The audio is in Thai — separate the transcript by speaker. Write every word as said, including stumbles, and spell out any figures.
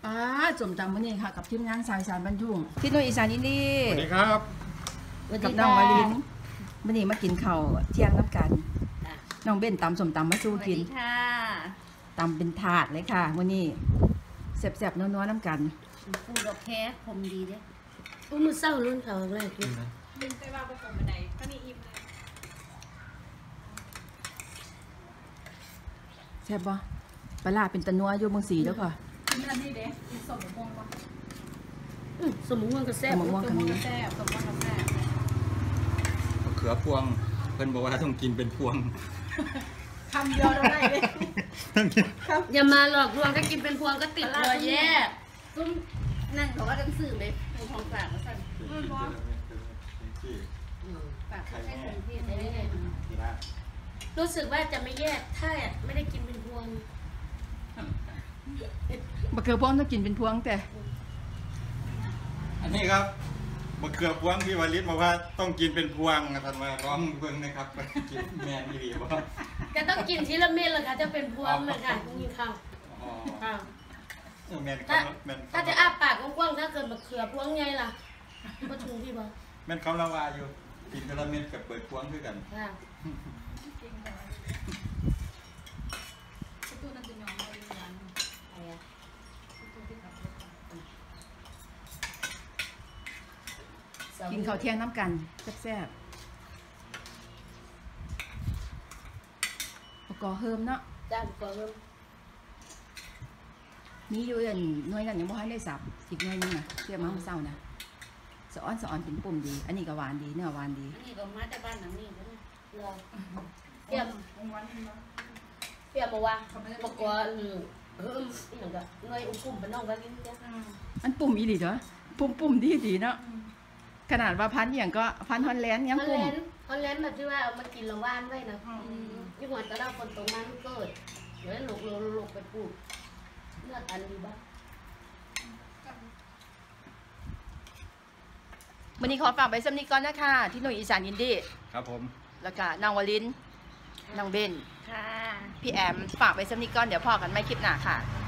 Speaker 1: ป้าจมจำวันนี้ค่ะกับทีมงานสายสารบรรทุกที่โนอีสานอินดี้
Speaker 2: สวัสดีครับ
Speaker 1: กับน้องวาลินวันนี้มากินข้าวเที่ยงน้ำกันน้องเบ้นตำสมตำมาสู้กินตำเป็นถาดเลยค่ะวันนี้แซ่บๆนัวๆน้ำกัน
Speaker 3: ปูดอกแค่คมดีเด้
Speaker 4: อุ้มือเศร้ารุ่นเขาแรกเลย
Speaker 5: บินไปว่าไปผมบันไดก็มีอิ่มเลย
Speaker 1: แซ่บปะปลาเป็นตะนัวอยู่เมืองสีแล้วค่ะ
Speaker 5: กินอันนี้เด้กินสมม่วงปะ
Speaker 4: สมม่วงก็แซ่บ
Speaker 1: สมม่วงก็มี
Speaker 5: แซ่บสมม่วงก็แซ่บ
Speaker 2: มะเขือพวงเพิ่นบอกว่าต้องกินเป็นพวง
Speaker 5: คำเดียวได้เลย
Speaker 4: อย่ามาหลอกลวงถ้ากินเป็นพวงก็ติดเลยแย่
Speaker 3: ตุ้มนั่นเขาว่าต้องสื่อเลยเป็นของฝากมาสั่งฝากให้คนที่ได้รู้สึกว่าจะไม่แยกถ้าไม่ได้กินเป็นพวง
Speaker 1: มะเขือพวงต้องกินเป็นพวงแต่
Speaker 2: อันนี้ครับมะเขือพวงพี่วลิศบอกว่าต้องกินเป็นพวงท่านมาร้องเบิ่งนะครับกินแมนอีหลีบ่
Speaker 4: ก็ต้องกินทีละเม็ดเลยค่ะจะเป็นพวงเลยค่ะกินข้าวข้าวถ้าถ้าจะอ้าปากกว้างๆถ้าเกิดมะเขือพวงไงล่ะก็ถูกพี่บอก
Speaker 2: แม่นเขาละว่าอยู่กินทีละเม็ดกับเปิดพวงด้วยกัน
Speaker 1: กินข้าวเที่ยงน้ำกันแซ่บๆประกอบเฮิมเนาะ
Speaker 4: จ้าประกอบเฮิม
Speaker 1: มีอยู่อันหน่วยนั้นยังไม่ให้ได้สับอีกหน่วยนึงนะเทียบมาเมื่อเช้านะสะอ้อนสะอ้อนเป็นปุ่มดีอันนี้ก็หวานดีเนื้อหวานดี
Speaker 3: อันนี้ก็มาจากบ้านหลังนี้ก็ได้
Speaker 4: รอเตรียมเตรียมมาว่าประกอบเฮิมอีกหนึ่งก็หน่วยอุ้มปุ่มเป็นน้องกันลิ้นจ้ะ
Speaker 1: อันปุ่มอีหลีเหรอปุ่มปุ่มดีดีเนาะขนาดว่าพันอย่างก็พันฮอนแลนด์ยังปุ่ม
Speaker 4: ฮอนแลนด์แบบที่ว่าเอามากินละว่านไว้นะยี่ห้อตะล่าคนตรงนั้นเกิดเดี๋ยวหลกหลกไปปลูกเลือดอันดีบ้าง
Speaker 1: วันนี้ขอฝากไปสำนีก่อนนะคะที่หน่วยอีสานอินดี้
Speaker 2: ครับผม
Speaker 1: แล้วก็นางวลินนางเบนพี่แอมฝากไปสำนีก่อนเดี๋ยวพอกันไม่คลิปหน้าค่ะ